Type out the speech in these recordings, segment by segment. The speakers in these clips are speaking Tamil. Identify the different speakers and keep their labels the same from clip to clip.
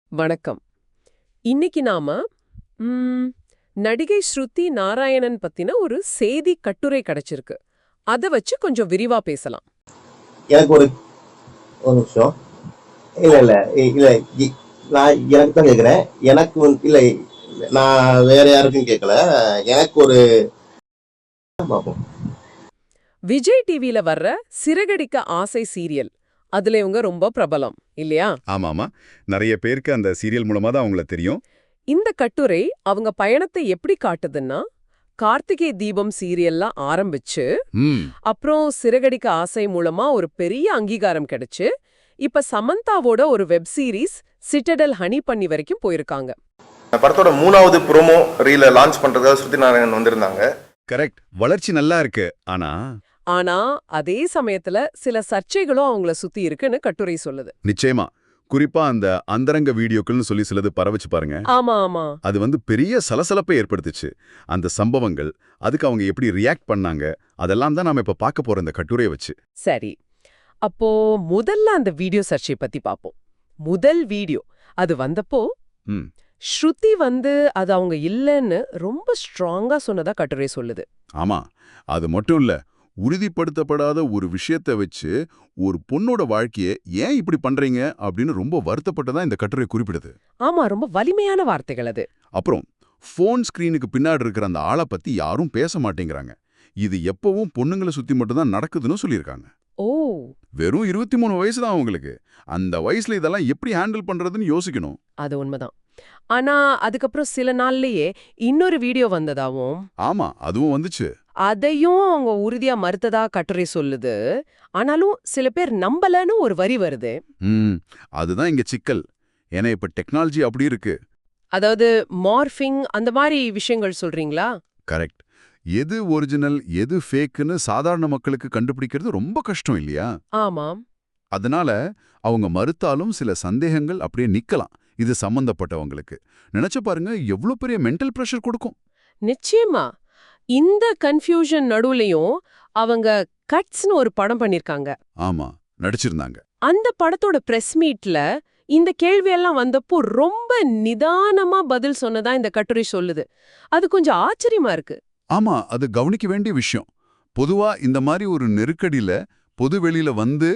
Speaker 1: வணக்கம். இன்னைக்கு நாம நடிகை ஸ்ருதி நாராயணன் பத்தின ஒரு செய்தி கட்டுரை கிடைச்சிருக்கு. அத வச்சு கொஞ்சம் விரிவா பேசலாம்.
Speaker 2: எனக்கு ஒரு ஒரு நிமிஷம். இல்ல இல்ல இல்ல நான் எனக்கு தான் கேக்குறேன். எனக்கு இல்ல, நான் வேற யாருக்கும் கேட்கல. எனக்கு ஒரு பாப்போம்.
Speaker 1: விஜய் டிவில வர்ற சிறகடிக்க ஆசை சீரியல், அதுல இவங்க ரொம்ப பிரபலம் இல்லையா?
Speaker 3: ஆமாமா. நிறைய பேருக்கு அந்த சீரியல் மூலமா தான் அவங்கள தெரியும்.
Speaker 1: இந்த கட்டுரை அவங்க பயணத்தை எப்படி காட்டுதுன்னா, கார்த்திகை தீபம் சீரியல்லாம் ஆரம்பிச்சு
Speaker 3: ம்
Speaker 1: அப்புறம் சிறகடிக்க ஆசை மூலமா ஒரு பெரிய அங்கீகாரம் கிடைச்சு இப்ப சமந்தாவோட ஒரு வெப் சீரிஸ் சிட்டடல் ஹனி பண்ணி வரைக்கும் போயிருக்காங்க.
Speaker 4: படத்தோட 3வது ப்ரோமோ ரீல லான்ச் பண்றதுக்காக ஸ்ருதி நாராயணன் வந்திருந்தாங்க.
Speaker 3: கரெக்ட். வளர்ச்சி நல்லா இருக்கு.
Speaker 1: ஆனா அதே சமயத்துல சில சர்ச்சைகளும் அவங்கள சுத்தி இருக்குன்னு கட்டுரை சொல்லுது.
Speaker 3: நிச்சயமா. குறிப்பா அந்த அந்தரங்க வீடியோக்கள்னு சொல்லி சிலது பரவச்சு பாருங்க.
Speaker 1: ஆமா ஆமா.
Speaker 3: அது பெரிய சலசலப்பை ஏற்படுத்துச்சு. அந்த சம்பவங்கள், அதுக்கு அவங்க எப்படி ரியாக்ட் பண்ணாங்க, அதெல்லாம் தான் நாம இப்ப பார்க்க போற இந்த கட்டுரையை வச்சு.
Speaker 1: சரி, அப்போ முதல்ல அந்த வீடியோ சர்ச்சை பத்தி பாப்போம். முதல் வீடியோ அது வந்தப்போ
Speaker 3: ம்
Speaker 1: ஸ்ருதி அது அவங்க இல்லைன்னு ரொம்ப ஸ்ட்ராங்கா சொன்னதா கட்டுரை சொல்லுது.
Speaker 3: ஆமா. அது மட்டும் இல்ல, உறுதிப்படுத்தப்படாத ஒரு விஷயத்தை வச்சு ஒரு பொண்ணோட வாழ்க்கையை ஏன் இப்படி பண்றீங்க அப்படின்னு ரொம்ப வருத்தப்பட்டதா இந்த கட்டுரை குறிப்பிடுது.
Speaker 1: ஆமா, ரொம்ப வலிமையான வார்த்தைகள் அது.
Speaker 3: அப்புறம் ஃபோன் ஸ்கிரீனுக்கு பின்னாடி இருக்கிற அந்த ஆளை பத்தி யாரும் பேச மாட்டேங்கிறாங்க. இது எப்பவும் பொண்ணுங்களை சுத்தி மட்டும்தான் நடக்குதுன்னு சொல்லியிருக்காங்க.
Speaker 1: ஓ,
Speaker 3: வெறும் 23 வயசு தான் அவங்களுக்கு. அந்த வயசுல இதெல்லாம் எப்படி ஹேண்டில் பண்றதுன்னு யோசிக்கணும்.
Speaker 1: அது உண்மைதான். ஆனா அதுக்கப்புறம் சில நாள்லயே இன்னொரு வீடியோ வந்ததாவும்.
Speaker 3: ஆமா, அதுவும் வந்துச்சு.
Speaker 1: அதையும் அவங்க உறுதியா மறுத்ததா கட்டுரை சொல்லுது. ஆனாலும் சில பேர் நம்பலன்னு ஒரு வரி வருது.
Speaker 3: அதுதான் இங்க சிக்கல். ஏன்னா இப்ப டெக்னாலஜி அப்படி இருக்கு.
Speaker 1: அதாவது மார்ஃபிங் அந்த மாதிரி விஷயங்கள் சொல்றீங்களா?
Speaker 3: கரெக்ட். எது ஒரிஜினல் எது ஃபேக்குன்னு சாதாரண மக்களுக்கு கண்டுபிடிக்கிறது ரொம்ப கஷ்டம் இல்லையா?
Speaker 1: ஆமாம்.
Speaker 3: அதனால அவங்க மறுத்தாலும் சில சந்தேகங்கள் அப்படியே நிக்கலாம். இது சம்பந்தப்பட்டவங்களுக்கு நினைச்சு பாருங்க, எவ்வளவு பெரிய மென்டல் பிரஷர் கொடுக்கும்.
Speaker 1: நிச்சயமா. இந்த கன்ஃபியூஷன் நடுவுலயும் அவங்க கட்ஸ்னு ஒரு படம் பண்ணிருக்காங்க.
Speaker 3: ஆமா, நடிச்சிருந்தாங்க.
Speaker 1: அந்த படத்தோட பிரஸ் மீட்ல இந்த கேள்வியெல்லாம் வந்தப்போ ரொம்ப நிதானமா பதில் சொன்னதா இந்த கட்டுரை சொல்லுது. அது கொஞ்சம் ஆச்சரியமா இருக்கு.
Speaker 3: ஆமா, அது கவனிக்க வேண்டிய விஷயம். பொதுவா இந்த மாதிரி ஒரு நெருக்கடியில பொது வெளியில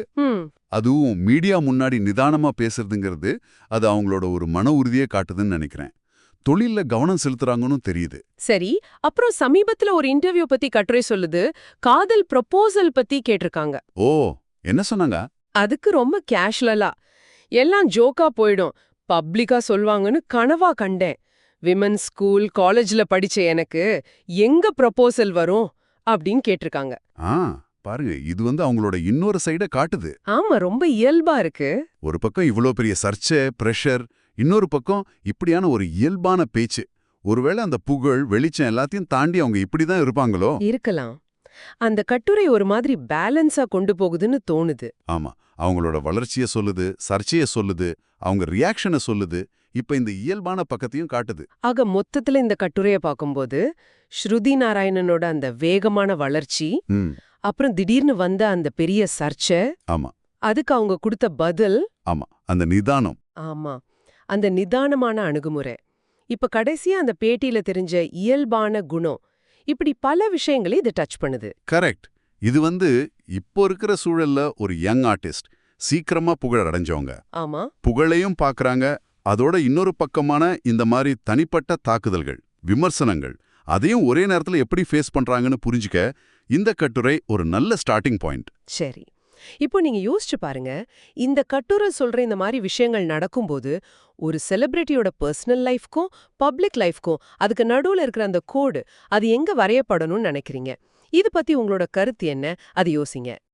Speaker 3: அதுவும் மீடியா முன்னாடி நிதானமா பேசுறதுங்கிறது அது அவங்களோட ஒரு மன உறுதியை காட்டுதுன்னு நினைக்கிறேன். தொழில்ல கவனம் செலுத்துறாங்கன்னு தெரியுது.
Speaker 1: சரி, அப்புறம் சமீபத்துல ஒரு இன்டர்வியூ பத்தி கட்டுரை சொல்லுது. காதல் ப்ரொபோசல் பத்தி கேட்டிருக்காங்க.
Speaker 3: ஓ, என்ன சொன்னாங்க?
Speaker 1: அதுக்கு ரொம்ப கேஷுவலா, எல்லாம் ஜோக்கா போயிடும், பப்ளிக்கா சொல்வாங்கன்னு கனவா கண்டேன். விமன் ஸ்கூல் காலேஜ்ல படிச்ச எனக்கு எங்க ப்ரொபோசல் வரும் அப்படின்னு கேட்டிருக்காங்க.
Speaker 3: பாருங்க, இது அவங்களோட இன்னொரு சைட காட்டுது.
Speaker 1: ஆமா, ரொம்ப இயல்பா இருக்கு.
Speaker 3: ஒரு பக்கம் இவ்ளோ பெரிய சர்ச்சை, பிரஷர், இன்னொரு பக்கம் இப்படியான ஒரு இயல்பான பேச்சு. ஒருவேளை அந்த புகழ், வெளிச்சம் எல்லாத்தையும் தாண்டி அவங்க இப்படிதான் இருப்பாங்களோ?
Speaker 1: இருக்கலாம். அந்த கட்டுரை ஒரு மாதிரி பேலன்ஸா கொண்டு போகுதுன்னு தோணுது.
Speaker 3: ஆமா, அவங்களோட வளர்ச்சிய சொல்லுது, சர்ச்சைய சொல்லுது, அவங்க ரியாக்ஷனை சொல்லுது. இப்ப இந்த இயல்பான பக்கத்தையும் காட்டுது.
Speaker 1: ஆக மொத்தத்துல இந்த கட்டுரைய பார்க்கும்போது ஸ்ருதி நாராயணனோட அந்த வேகமான வளர்ச்சி, அப்புறம் திடீர்னு வந்த அந்த பெரிய சர்ச்சை,
Speaker 3: ஆமா,
Speaker 1: அதுக்கு அவங்க கொடுத்த பதில்,
Speaker 3: ஆமா, அந்த நிதானம்,
Speaker 1: ஆமா, அந்த நிதானமான அணுகுமுறை, இப்ப கடைசியா அந்த பேட்டியில தெரிஞ்ச இயல்பான குணம், இப்படி பல விஷயங்களை இது டச் பண்ணுது.
Speaker 3: கரெக்ட். இது இப்போ இருக்கிற சூழல்ல ஒரு யங் ஆர்டிஸ்ட் சீக்கிரமா புகழ் அடைஞ்சவங்க.
Speaker 1: ஆமா,
Speaker 3: புகழையும் பாக்குறாங்க. அதோட இன்னொரு பக்கமான இந்த மாதிரி தனிப்பட்ட தாக்குதல்கள், விமர்சனங்கள், அதையும் ஒரே நேரத்துல எப்படி ஃபேஸ் பண்றாங்கன்னு புரிஞ்சுக்க இந்த கட்டுரை ஒரு நல்ல ஸ்டார்டிங் பாயிண்ட்.
Speaker 1: சரி, இப்போ நீங்க யோசிச்சு பாருங்க, இந்த கட்டுரை சொல்ற இந்த மாதிரி விஷயங்கள் நடக்கும்போது ஒரு செலிபிரிட்டியோட பர்சனல் லைஃப்க்கும் பப்ளிக் லைஃப்க்கும் அதுக்கு நடுவுல இருக்கிற அந்த கோடு, அது எங்க வரையப்படணும்னு நினைக்கிறீங்க? இது பத்தி உங்களோட கருத்து என்ன? அது யோசிங்க.